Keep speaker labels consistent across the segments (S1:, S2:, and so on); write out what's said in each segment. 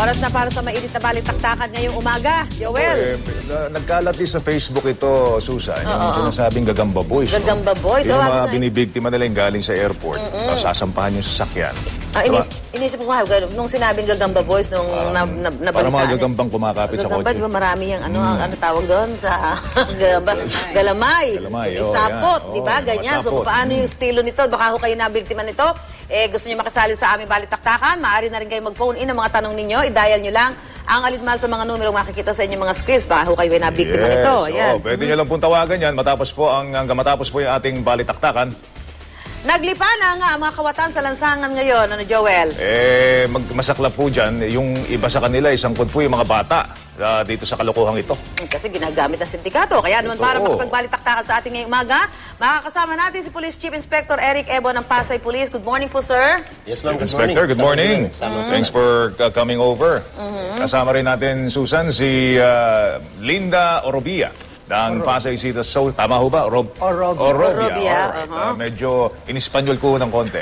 S1: Oras na para sa mainit na balitaktakan ngayong umaga. Joel.
S2: Nagkalat din sa Facebook ito, Susan, yung sinasabing Gagamba Boys.
S1: Gagamba Boys?
S2: Yung mga binibiktima nila yung galing sa airport. Sasampahan yung sasakyan.
S1: Inisip ko nga, nung sinabing Gagamba Boys, nung nabalitaan.
S2: Para mga gagambang kumakapit sa kotse.
S1: Gagamba, di ba marami yung ano tawag doon sa Gagamba? Galamay. Sapot, di ba? Ganyan. So, paano yung estilo nito? Baka ho kayo nabiktima nito. Gusto niyo makasali sa aming balitaktakan, maaari na rin kayo mag-phone in ang mga tanong ninyo. I-dial nyo lang ang alinman sa mga numero makikita sa inyong mga screens. Baka ho kayo ay nabiktima nito. Ayan.
S2: Pwede nyo lang pong tawagan yan matapos po yung ating balitaktakan.
S1: Naglipa na nga ang mga kawatan sa lansangan ngayon, Joel?
S2: Masaklap po dyan, yung iba sa kanila, isangkot po yung mga bata dito sa kalokohang ito.
S1: Kasi ginagamit ang sindikato. Kaya naman para makipagbalitaktakan sa ating ngayong umaga, makakasama natin si Police Chief Inspector Eric Ebo ng Pasay Police. Good morning po, sir.
S3: Yes, ma'am.
S2: Inspector, good morning. Thanks for coming over. Kasama rin natin, Susan, si Linda Orobia ng Pasay City. So, tama ho ba? Orobia. Medyo in-Espanyol ko ng konti.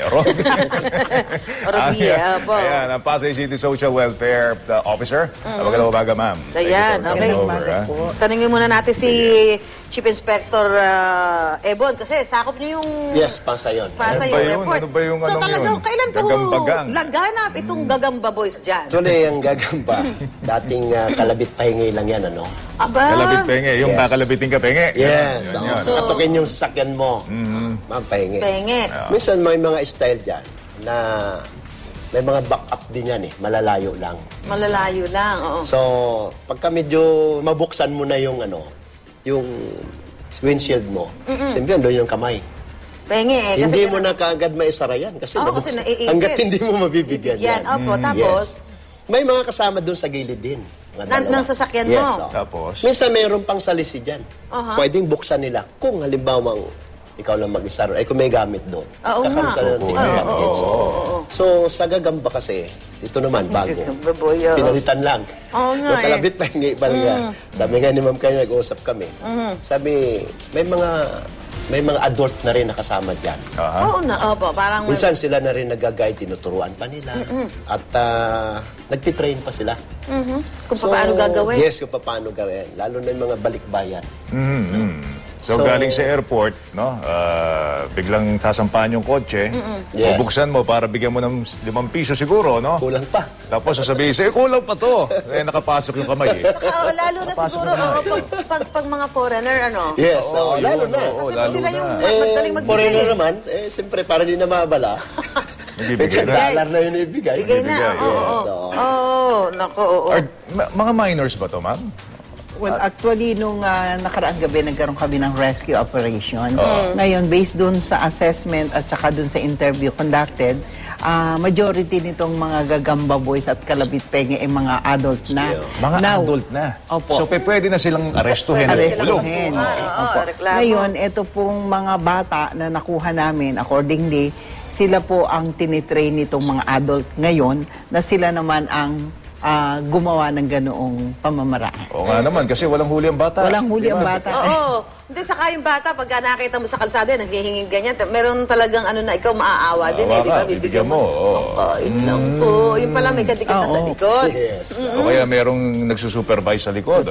S1: Orobia.
S2: Ayan, ang Pasay City Social Welfare Officer. Magandang umaga, ma'am.
S1: Ayan, okay. Tanungin muna natin si Chief Inspector Ebon kasi sakop niyo yung...
S3: Yes, Pasay yun.
S1: Pasay yung airport.
S2: Ano ba yung
S1: so talagang kailan po
S2: Gagambagang
S1: laganap itong Gagamba Boys dyan?
S3: Actually, ang Gagamba, dating kalabit pahingi lang yan, ano?
S1: Aba?
S2: Kalabit penge, yung kakalabitin ka penge.
S3: Yes. So, katukin yung sasakyan mo. Ma'am, pahingi.
S1: Penge.
S3: Minsan may mga style dyan na may mga back-up din yan eh. Malalayo lang.
S1: Malalayo lang, oo.
S3: So, pagka medyo mabuksan mo na yung yung windshield mo, siyempre doon yung kamay.
S1: Penge eh.
S3: Hindi mo na kaagad maisara yan kasi hanggat hindi mo mabibigyan yan.
S1: Opo, tapos?
S3: May mga kasama doon sa gilid din.
S1: Ng sasakyan mo?
S3: Yes.
S2: Tapos?
S3: Minsan mayroon pang salisi dyan. Pwedeng buksan nila. Kung halimbawa ikaw lang mag-isa, kung may gamit doon. Kakaroon sila ng So, sa Gagamba kasi, ito naman, bago. Pinalitan lang. Yung kalabit pa, hindi pa lang. Sabi nga ni Ma'am kayo, nag-uusap kami. Sabi, may mga adult na rin nakasama dyan.
S1: Oo na, opo. Parang...
S3: Minsan sila na rin nag-guide, tinuturuan pa nila. At nagtitrain pa sila.
S1: Kung paano gagawin.
S3: Yes, kung paano gawin. Lalo na yung mga balikbayan.
S2: So, galing sa airport, no? Biglang sasampahan yung kotse. Bubuksan mo para bigyan mo ng 5 piso siguro, no?
S3: Kulang pa.
S2: Tapos sasabihin sa'yo, kulang pa to. Nakapasok yung kamay.
S1: Saka, lalo na siguro, pag mga foreigner, ano?
S3: Yes, lalo na.
S1: Kasi sila yung magdaling magbigay.
S3: Foreigner naman, siyempre, para di na mabala.
S2: Nagbibigay na.
S3: $1 na yun ibigay.
S1: Bigay na, oo. Nako, oo.
S2: Mga minors ba to, ma'am?
S4: Well, actually, nung nakaraang gabi, nagkaroon kami ng rescue operation. Ngayon, based dun sa assessment at saka dun sa interview conducted, majority nitong mga Gagamba Boys at Kalabit Penge ay mga adult na.
S2: Mga adult na?
S4: Opo.
S2: So, pwede na silang arestuhin.
S4: Ngayon, ito pong mga bata na nakuha namin, accordingly, sila po ang tinitrain nitong mga adult ngayon na sila naman ang gumawa ng ganoong pamamaraan.
S2: Oo nga naman, kasi walang huli ang bata.
S4: Walang huli ang bata.
S1: Oo. Hindi, saka yung bata, pagka nakita mo sa kalsada, naghihinging ganyan, meron talagang ikaw maaawa din di ba?
S2: Bibigyan mo.
S1: Yun lang po. Yun pala may kadikit na sa likod.
S3: Yes.
S2: O kaya merong nagsusupervise sa likod.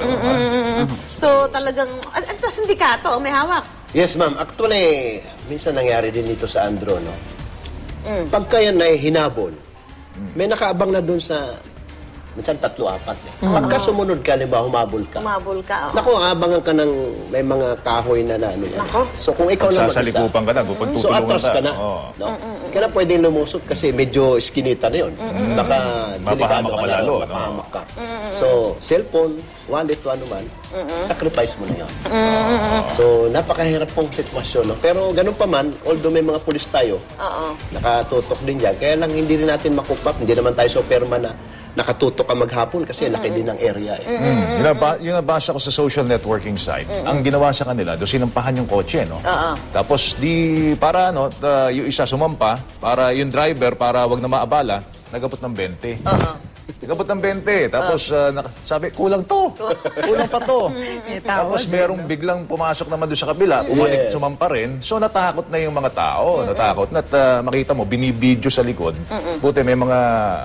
S1: So talagang, at sindikato, may hawak.
S3: Yes, ma'am. Actually, minsan nangyari din dito sa Andro, no? Pagka yan ay hinabol, may nakaabang na doon sa minsan 3-4 Pagka sumunod ka, ba, humabol ka.
S1: Humabol ka,
S3: Naku, abangan ka ng may mga kahoy na ano yan. So kung ikaw lang mag-isa,
S2: sasalikupan ka na,
S3: so atras ka na. No? Kaya pwedeng lumusot kasi medyo skinita na yun. Baka delikado ka na, mapahamak ka. So, cellphone, wallet, ano man, sacrifice mo na yun. So, napakahirap pong sitwasyon. No? Pero ganun pa man, although may mga pulis tayo, nakatutok din dyan. Kaya lang hindi rin natin makupap, hindi naman tayo Superman na nakatutok ka maghapon kasi laki din ng area.
S2: Yung nabasa ko sa social networking site, ang ginawa sa kanila, doon sinampahan yung kotse, no? Tapos para yung isa sumampa, para yung driver, para wag na maabala, nagabot ng 20. Nagabot ng 20. Tapos sabi, kulang to. Kulang pa to. Tapos merong biglang pumasok naman doon sa kabila, umalik, sumampa rin. So natakot na yung mga tao. Natakot na. Makita mo, binibidyo sa likod. Buti may mga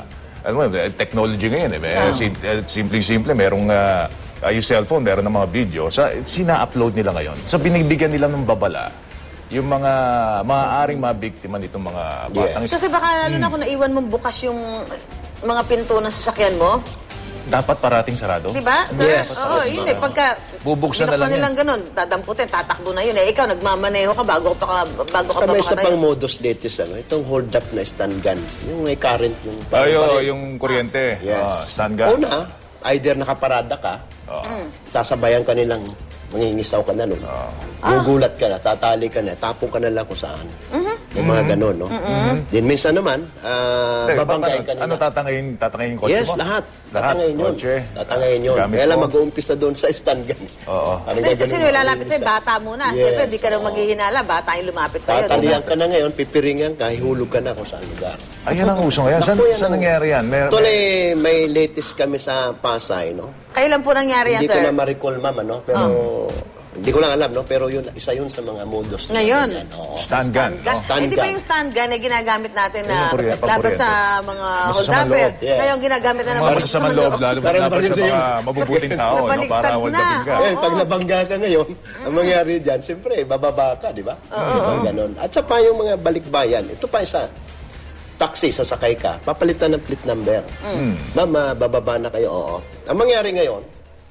S2: ano mo, technology ngayon simple-simple, merong yung cellphone, meron ng mga video. Sina-upload nila ngayon. Binibigyan nila ng babala yung mga maaaring mabiktima nitong mga batang ito.
S1: Kasi baka lalo na kung naiwan mong bukas yung mga pinto ng sasakyan mo,
S2: Dapat parating sarado.
S1: di ba? Sir,
S3: Yes.
S1: oo, yun eh. Pagka
S2: Bubuksan na lang
S1: nilang ganun, dadamputin, tatakbo na yun. Ikaw, nagmamaneho ka bago ka
S3: Saka may isa
S1: makatayo.
S3: pang modus latest, itong hold up na stun gun. Yung may current, yung
S2: Yung kuryente.
S3: Yes.
S2: Stand gun.
S3: Una, either nakaparada ka, sasabayan ka nilang mangingisaw ka na nun. Gugulat ka na, tatali ka na, tapong ka na lang kung saan. Yung mga ganun, no? Then minsan naman, babanggain ka nila.
S2: Ano tatangayin yung kotse
S3: Yes,
S2: mo?
S3: lahat. Tatangayin yun.
S2: Kotse.
S3: Tatangayin yun.
S2: Gamit
S3: Kaya lang
S2: mo.
S3: mag-uumpisa doon sa stun gun.
S2: Oo.
S1: Kasi lalapit sa'yo, bata muna.
S3: Yes.
S1: Siyempre, di ka na maghihinala, bata yung lumapit sa'yo. di ba?
S3: Tatalian ka na ngayon, pipiringan ka, hihulog ka na kung saan lugar.
S2: Ayan ang uso ngayon.
S3: Naku, yan
S2: Saan
S3: ang-
S2: nangyari yan?
S3: Tuloy, may latest kami sa Pasay, no?
S1: Kailan po nangyari yan,
S3: Hindi ko
S1: sir?
S3: na ma-recall, ma'am, ano? Pero, hindi ko lang alam, no? Pero yun, isa yun sa mga modus. na
S1: Ngayon?
S3: ganyan. Oo.
S2: Stand gun.
S1: Gun.
S3: Stand
S1: Di ba
S3: gun.
S1: yung stand gun na ginagamit natin na
S2: Yung kuryente,
S1: laban
S2: pakuryente.
S1: sa mga
S2: Masasamang
S1: hold-upper?
S2: loob.
S3: Yes.
S1: Ngayon, ginagamit na
S2: Mga
S1: naman
S2: masasamang loob, lalo
S3: Parang
S2: laban sa
S3: baril na yun.
S2: mga mabubuting tao, no?
S1: Nabaliktad
S2: Para
S1: na.
S2: waldapin ka.
S3: Ngayon, pag nabangga ka ngayon, ang mangyari dyan, siyempre, bababa ka, di ba? Ganon. At sa pa yung mga balikbayan, ito pa isa, taxi, sasakay ka, papalitan ng plate number. Mama, bababa na kayo, oo. Ang mangyari ngayon,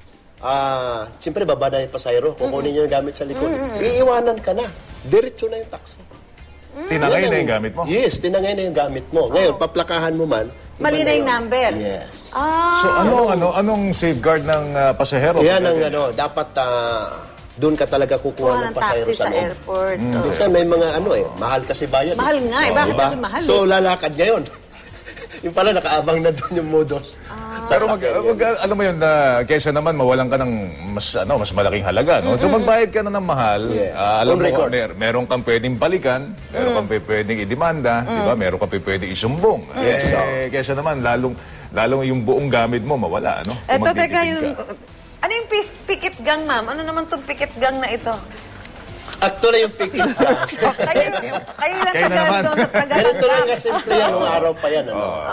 S3: siyempre, baba na yung pasayro, kukunin niyo yung gamit sa likod. Iiwanan ka na. Diretso na yung taxi.
S2: Tinangay
S3: Yan
S2: na
S3: ang-
S2: yung gamit mo.
S3: Yes, tinangay na yung gamit mo. Ngayon, paplakahan mo man. iba
S1: Mali na yung
S3: yun.
S1: number.
S3: Yes.
S2: So anong safeguard ng pasahero?
S3: Yan ang dapat doon ka talaga kukuha
S1: Kuha
S3: ng
S1: ng
S3: pasahero
S1: taxi
S3: sa
S1: sa
S3: loob.
S1: airport.
S3: Kasi may mga mahal kasi bayad.
S1: Mahal nga eh. Bakit kasi mahal
S3: So, lalakad ngayon. Yung pala, nakaabang na doon yung modus.
S2: Pero alam mo yun, kaysa naman mawalan ka ng mas malaking halaga, no? So magbayad ka na ng mahal.
S3: Yeah.
S2: Alam
S3: On
S2: mo,
S3: record.
S2: meron kang pwedeng balikan, meron kang pwedeng idemanda, di ba? Meron kang pwedeng isumbong.
S3: Yes,
S2: Kaysa naman, lalong yung buong gamit mo mawala, no? Kung
S1: Eto, teka,
S2: magtitipid
S1: yung...
S2: ka.
S1: Ano yung picket gang, ma'am? Ano naman itong picket gang na ito?
S3: Actually, yung picket gas.
S1: kayo lang
S2: Kayo na naman.
S1: doon sa
S3: Ganito lang
S1: taga-tanggap.
S3: kasimple yan, nung araw pa yan.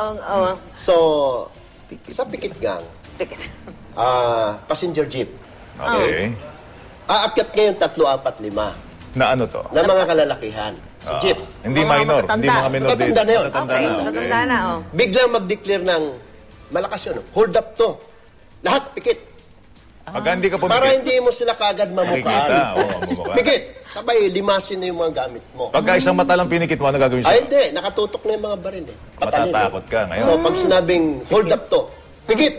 S3: So, sa picket gang,
S1: Picket.
S3: passenger jeep.
S2: Okay.
S3: Aakyat ngayon 3, 4, 5
S2: Na ano to?
S3: na mga kalalakihan. Sa jeep.
S2: Hindi
S1: Mga
S2: minor.
S1: matatanda.
S2: Hindi mga minor.
S3: Matatanda na yun.
S2: Matatanda
S1: Okay,
S2: na,
S1: natanda na, oh.
S3: Biglang mag-declare ng malakas yun. Hold up to. Lahat pikit.
S2: Pag hindi ka
S3: Para
S2: pumikit,
S3: hindi mo sila kagad
S2: makikita.
S3: mamukaan.
S2: Mamukhaan.
S3: Pikit. Sabay, limasin na yung mga gamit mo.
S2: Pagka isang mata lang pinikit mo, ano gagawin
S3: Ay,
S2: sa'yo?
S3: hindi. Nakatutok na yung mga baril. Patalin.
S2: Matatakot ka ngayon.
S3: So, pag sinabing, hold up to, pikit.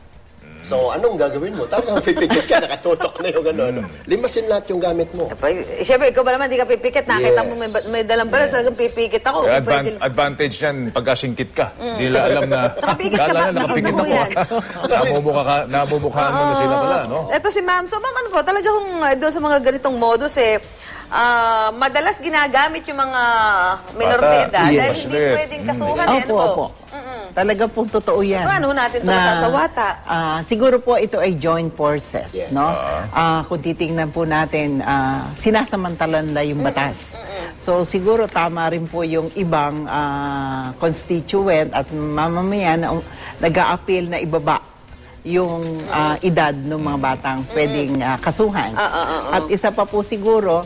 S3: So, anong gagawin mo? Talagang pipikit ka, nakatutok na yung ano. Limasin lahat yung gamit mo.
S1: Siyempre, ikaw ba naman, di ka pipikit. Nakita
S3: Yes.
S1: mo may dalang baril, talagang pipikit ako.
S2: Kaya
S1: Pwede-
S2: advantage yan pagka singkit ka. Hindi nila alam na
S1: Nakapikit ka
S2: kala
S1: ba?
S2: na nakapikit
S1: Nakapikit
S2: ako.
S1: mo yan.
S2: Namumukhaan mo na sila pala, no?
S1: Ito si ma'am. So, ma'am, ano po, talagang doon sa mga ganitong modus, madalas ginagamit yung mga minor de
S2: Bata.
S1: edad
S3: Yes.
S1: dahil hindi pwedeng kasuhan.
S4: Opo, opo. Talaga pong totoo yan.
S1: Paano natin ito masasawata?
S4: Siguro po ito ay joint forces,
S3: Yeah.
S4: no? Kung titingnan po natin, sinasamantalan na yung batas. So siguro tama rin po yung ibang constituent at mamamayan na nag-a-appeal na ibaba yung edad ng mga batang pwedeng kasuhan. At isa pa po siguro,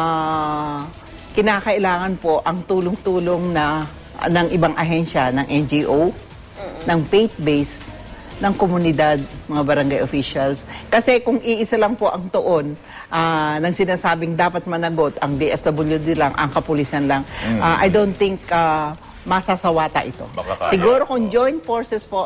S4: kinakailangan po ang tulong-tulong ng ibang ahensya, ng NGO, ng faith-based, ng komunidad, mga barangay officials. Kasi kung iisa lang po ang tuon ng sinasabing dapat managot, ang DSWD lang, ang kapulisan lang, I don't think masasawata ito.
S2: Baka kaya.
S4: Siguro kung joint forces po,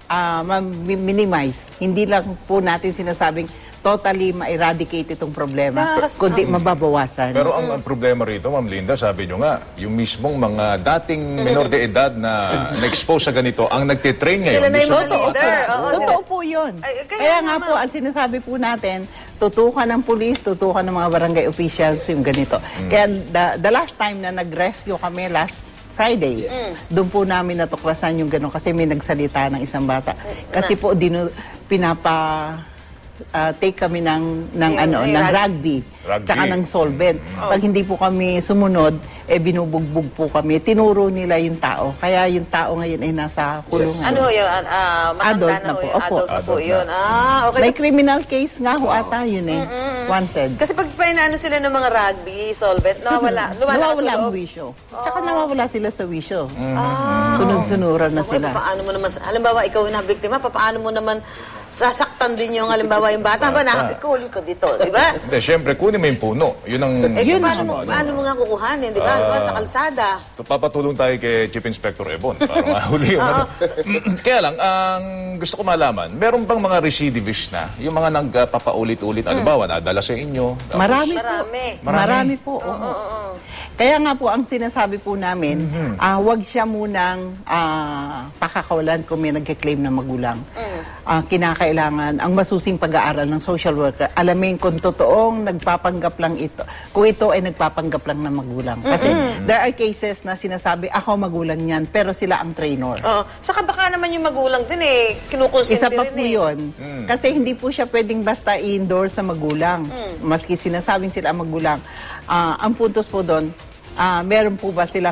S4: minimize, hindi lang po natin sinasabing totally ma-eradicate itong problema, kundi mababawasan.
S2: Pero ang problema rito, Ma'am Linda, sabi nyo nga, yung mismong mga dating minor de edad na na-expose sa ganito, ang nagtitrain ngayon.
S1: Sila na yung mga
S2: Gusto-
S1: leader. Oo,
S4: Totoo po yun.
S1: Ay,
S4: Kaya nga
S1: naman.
S4: po, ang sinasabi po natin, tutukan ng pulis, tutukan ng mga barangay officials yung ganito. Kaya the last time na nag-rescue kami last Friday, doon po namin natuklasan yung gano'n kasi may nagsalita ng isang bata. Kasi po, take kami ng
S1: Yung
S4: rugby,
S2: Rugby.
S4: tsaka ng solvent. Pag hindi po kami sumunod, binubugbog po kami. Tinuro nila yung tao. Kaya yung tao ngayon ay nasa kulungan.
S1: Ano yun? Matanda
S4: Adult
S1: na
S4: na
S1: ho
S4: po.
S1: yun.
S4: Opo.
S1: Adult na po
S2: Adult
S1: yun.
S2: na.
S1: Okay.
S4: May criminal case nga ho ata yun eh. Wanted.
S1: Kasi pag painaano sila ng mga rugby, solvent, nawawala
S4: Nawawala
S1: sa
S4: ang
S1: loob.
S4: wisyo. Tsaka nawawala sila sa wisyo.
S1: Ah.
S4: Sunod-sunuran na
S1: Okay,
S4: sila.
S1: paano mo naman, halimbawa ikaw na biktima, paano mo naman sasaktan din yung halimbawa yung bata ba na ikaw ka dito, di ba?
S2: Hindi, syempre, kunin mo yung puno. Yun ang...
S1: Eh,
S4: Yun
S1: paano mo nga kukuhanin, di ba? Halimbawa sa kalsada.
S2: Papatulong tayo kay Chief Inspector Ebon para mahuli yung ano. Kaya lang, ang gusto ko malaman, meron bang mga recidivist na? Yung mga nagpapaulit-ulit, halimbawa, nadala sa inyo? Tapos,
S4: Marami po.
S1: Marami.
S4: Marami po. oo. Kaya nga po, ang sinasabi po namin, wag siya munang pakakawalan kung may nagkiklaim na magulang. Kinakailangan ang masusing pag-aaral ng social worker. Alamin kung totoong nagpapanggap lang ito. Kung ito ay nagpapanggap lang ng magulang. Kasi there are cases na sinasabi, ako magulang yan, pero sila ang trainer.
S1: Saka baka naman yung magulang din kinukonsinti
S4: Isa pa
S1: rin
S4: po yun. Kasi hindi po siya pwedeng basta i-endorse sa magulang. Maski sinasabing sila ang magulang. Ang puntos po doon, meron po ba silang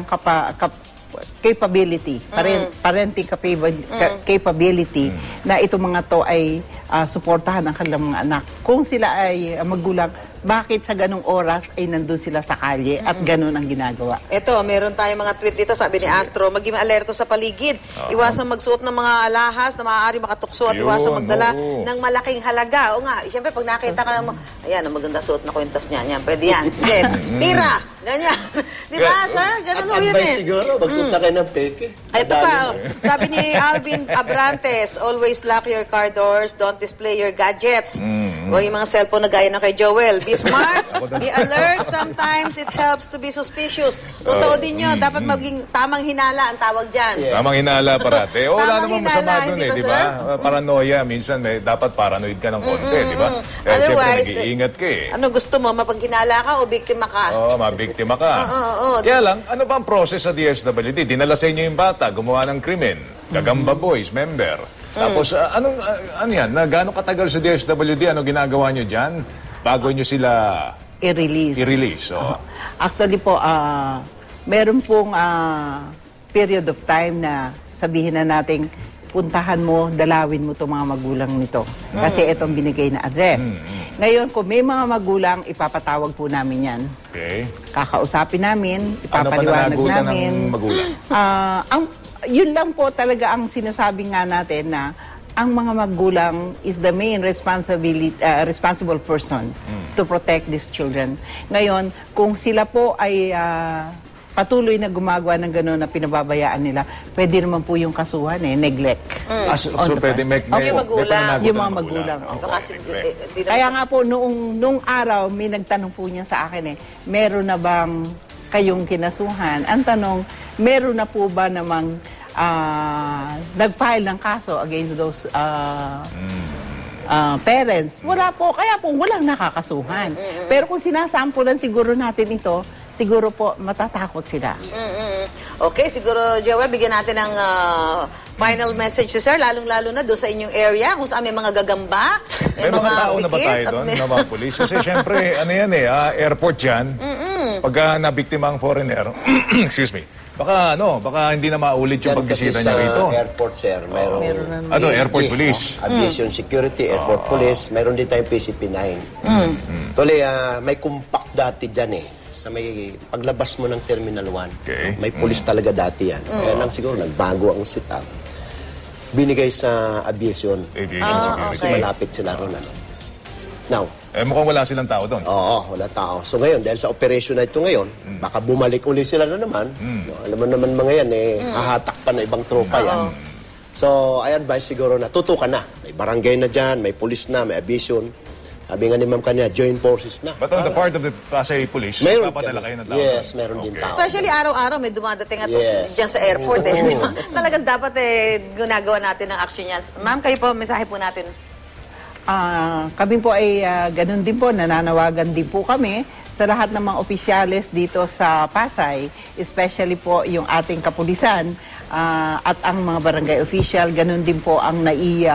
S4: capability, parenting capability na itong mga to ay suportahan ang kanilang mga anak. Kung sila ay magulang, bakit sa ganong oras ay nandun sila sa kalye at ganon ang ginagawa?
S1: Ito, meron tayong mga tweet dito, sabi ni Astro, maging alerto sa paligid. Iwasang magsuot ng mga alahas na maaari makatukso at
S2: Yun,
S1: iwasang magdala
S2: oo.
S1: ng malaking halaga. O nga, siyempre pag nakita ka naman, ayan, ang maganda suot na kwintas niya. Yan, pwede yan. Then, tira! Ganyan. Di ba, sir? Ganun ho
S3: At
S1: yun
S3: advice
S1: eh.
S3: siguro, magsuot na kayo ng peke.
S1: Ito pa, sabi ni Alvin Abrantes, always lock your car doors, don't display your gadgets. Huwag yung mga cellphone na gaya na kay Joel. Be smart, be alert, sometimes it helps to be suspicious. Totoo din yun, dapat maging tamang hinala ang tawag dyan.
S2: Tamang hinala parate. Wala
S1: Tamang
S2: namang masama
S1: hinala,
S2: doon
S1: hindi ba,
S2: di ba? Paranoia, minsan dapat paranoid ka ng konti, di ba? Kaya syempre,
S1: Otherwise,
S2: nag-iingat ka eh.
S1: Ano gusto mo, mapaghinala ka o biktima ka?
S2: Oo, mabiktima ka. Kaya lang, ano ba ang process sa DSWD? Dinala sa inyo yung bata, gumawa ng krimen, Gagamba Boys, member. Tapos, ano yan? Gaano katagal sa DSWD? Ano ginagawa nyo dyan? Bago nyo sila
S4: I-release.
S2: i-release.
S4: Actually po, meron pong period of time na sabihin na nating puntahan mo, dalawin mo itong mga magulang nito. Kasi itong binigay na address. Ngayon, kung may mga magulang, ipapatawag po namin yan.
S2: Okay.
S4: Kakausapin namin,
S2: Ano
S4: ipapaliwanag
S2: pananagutan
S4: namin.
S2: ng magulang?
S4: Yun lang po talaga ang sinasabi nga natin na ang mga magulang is the main responsible person to protect these children. Ngayon, kung sila po ay patuloy na gumagawa ng gano'n na pinababayaan nila, pwede naman po yung kasuhan neglect.
S2: So pwede make
S1: Yung magulang.
S4: Yung mga magulang.
S1: Kasi, di naman
S4: Kaya nga po, nung araw, may nagtanong po niya sa akin meron na bang kayong kinasuhan? Ang tanong, meron na po ba namang nag-file ng kaso against those parents? Wala po. Kaya po, walang nakakasuhan. Pero kung sinasampulan siguro natin ito, siguro po matatakot sila.
S1: Okay, siguro, Joel, bigyan natin ng final message si Sir, lalong-lalo na doon sa inyong area, kung saan may mga gagamba,
S2: May mga tao na ba
S1: pikit,
S2: tayo
S1: at
S2: doon,
S1: may-
S2: na mga polis? Kasi syempre, ano yan airport yan. Pagka nabiktima ang foreigner, excuse me, baka hindi na maulit yung pagbisita niya rito.
S3: Airport, sir, mayroong
S2: Ano,
S3: PSG,
S2: airport police.
S3: Aviation Security, Airport Police, mayroon din tayong PCP-9. Tuloy, may compact dati dyan sa may paglabas mo ng Terminal 1.
S2: Okay.
S3: May police talaga dati yan. Kaya lang siguro nagbago ang setup. Binigay sa aviation.
S2: Aviation security.
S3: Kasi malapit sila ron. Now,
S2: Mukhang wala silang tao doon.
S3: oo, wala tao. So ngayon, dahil sa operation na ito ngayon, baka bumalik uli sila na naman. No, alam mo naman mga yan, hahatak pa na ibang tropa yan. So, I advise siguro na tutukan na. May barangay na dyan, may police na, may aviation. Sabi nga ni ma'am kanina, joint forces na.
S2: But on the part of the Pasay Police,
S3: Meron
S2: papadala kayo ng tao.
S3: Yes,
S2: doon.
S3: meron din
S2: Okay.
S3: tao.
S1: Especially araw-araw may dumadating at
S3: Yes.
S1: dyan sa airport. Di ba? Talagang dapat ginagawa natin ang action yan. Ma'am, kayo po, mensahe po natin.
S4: Kami po ay ganun din po, nananawagan din po kami sa lahat ng mga opisyales dito sa Pasay, especially po yung ating kapulisan at ang mga barangay official, ganun din po ang NAIA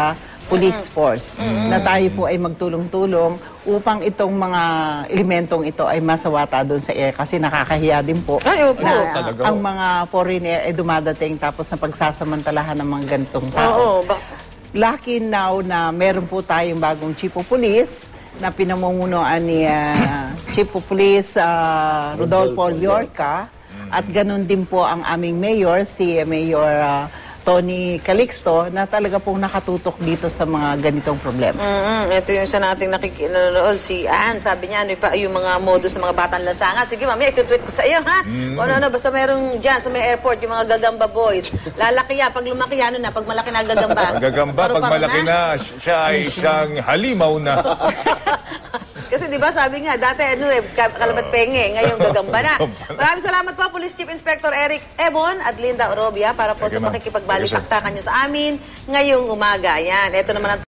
S4: police force na tayo po ay magtulong-tulong upang itong mga elementong ito ay masawata doon sa air kasi nakakahiya din po
S1: Ay, opo.
S4: na
S2: Talaga.
S4: ang mga foreigner ay dumadating tapos na pagsasamantalahan ng mga ganitong tao.
S1: Oo,
S4: Lucky now na meron po tayong bagong chief of police na pinamumunuan ni Chief of Police Rodolfo Llorca at ganun din po ang aming mayor, si Mayor Tony Calixto, na talaga pong nakatutok dito sa mga ganitong problema.
S1: Ito yung sa nating nanonood, si Ann, sabi niya, ano pa yung mga modus ng mga batang lansangan. Sige, mami, ito-tweet ko sa iyo, ha? O ano, basta merong dyan sa may airport, yung mga gagamba boys. Lalaki yan, pag lumaki yan, ano na, pag malaki na gagamba.
S2: Ang gagamba, pag
S1: Paru-paro
S2: malaki na, siya ay isang halimaw na.
S1: Kasi di ba sabi nga, dati kalabat penge, ngayon gagamba na. Maraming salamat po, Police Chief Inspector Eric Ebon at Linda Orobia para po
S2: Thank
S1: sa
S2: you, ma'am.
S1: pakikipagbalik-taktakan nyo sa amin ngayong umaga. Yan, ito naman ang